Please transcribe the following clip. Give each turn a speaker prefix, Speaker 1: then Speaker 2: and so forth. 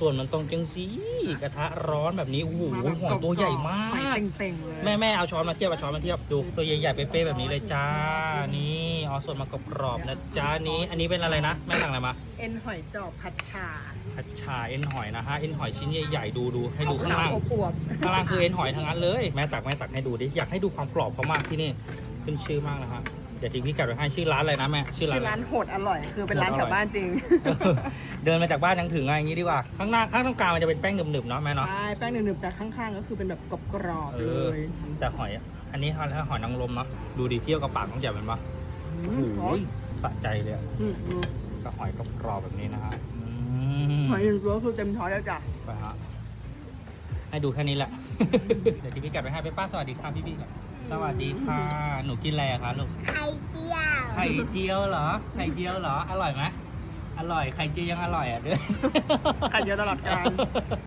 Speaker 1: ส่วนมันตรงจังสีกระทะร้อนแบบนี้โอ้โหหอยตัวใหญ่มาก
Speaker 2: เต็งๆเลย
Speaker 1: แม่เอาช้อนมาเทียบดูตัวใหญ่ๆเป๊ะๆแบบนี้เลยจ้านี่เอาส่วนมากรอบๆนะจ้านี้อันนี้เป็นอะไรนะแม่สั่งอะไรมา
Speaker 2: เอ็นหอยจอบผัดชา
Speaker 1: ผัดชาเอ็นหอยนะฮะเอ็นหอยชิ้นใหญ่ๆดูให้ดูข้างล่าง
Speaker 2: อวบ
Speaker 1: ข้างล่างคือเอ็นหอยทั้งนั้นเลยแม่ตักให้ดูดิอยากให้ดูความกรอบเขามากที่นี่ขึ้นชื่อมากนะฮะเดี๋ยวทิ้งพี่กัดไว้ให้ชื่อร้านอะไรนะแม่ชื่อ
Speaker 2: ชื่อ
Speaker 1: ร้า
Speaker 2: ร้าน นโหดอร่อย คือเป็นร้านแถวบ้านจริง
Speaker 1: เดินมาจากบ้านยังถึงอะไรอย่างงี้ดีกว่าข้างหน้าข้างตรงกลางมันจะเป็นแป้งหนึบๆเนาะแม่เนาะ
Speaker 2: ใช่แป้งหนึบๆแต่ข้างๆก็คือเป็นแบบกรอบๆเลย
Speaker 1: แต่หอยอันนี้ถ้าหอยนางรมเนาะดูดิเที่ยวกับปากต้องใหญ่เป็นปะโอ้โหสะใจเลยอะกับหอยกรอบๆแบบนี้นะฮะ
Speaker 2: หอยหนึ่งตัวคือเต็มช้อนแล้วจ้ะ
Speaker 1: ไปฮะให้ดูแค่นี้แหละ เดี๋ยวที่พี่กัดไปให้ป้าสวัสดีค่ะพี่ก่อนสวัสดีค่ะหนูกินอะไรอะคะลูก
Speaker 3: ไข่เจียว
Speaker 1: ไข่เจียวเหรอไข่เจียวเหรออร่อยไหมอร่อยไข่เจียวยังอร่อยอ่ะด้วย
Speaker 2: ไข่เจียวตลอดกาล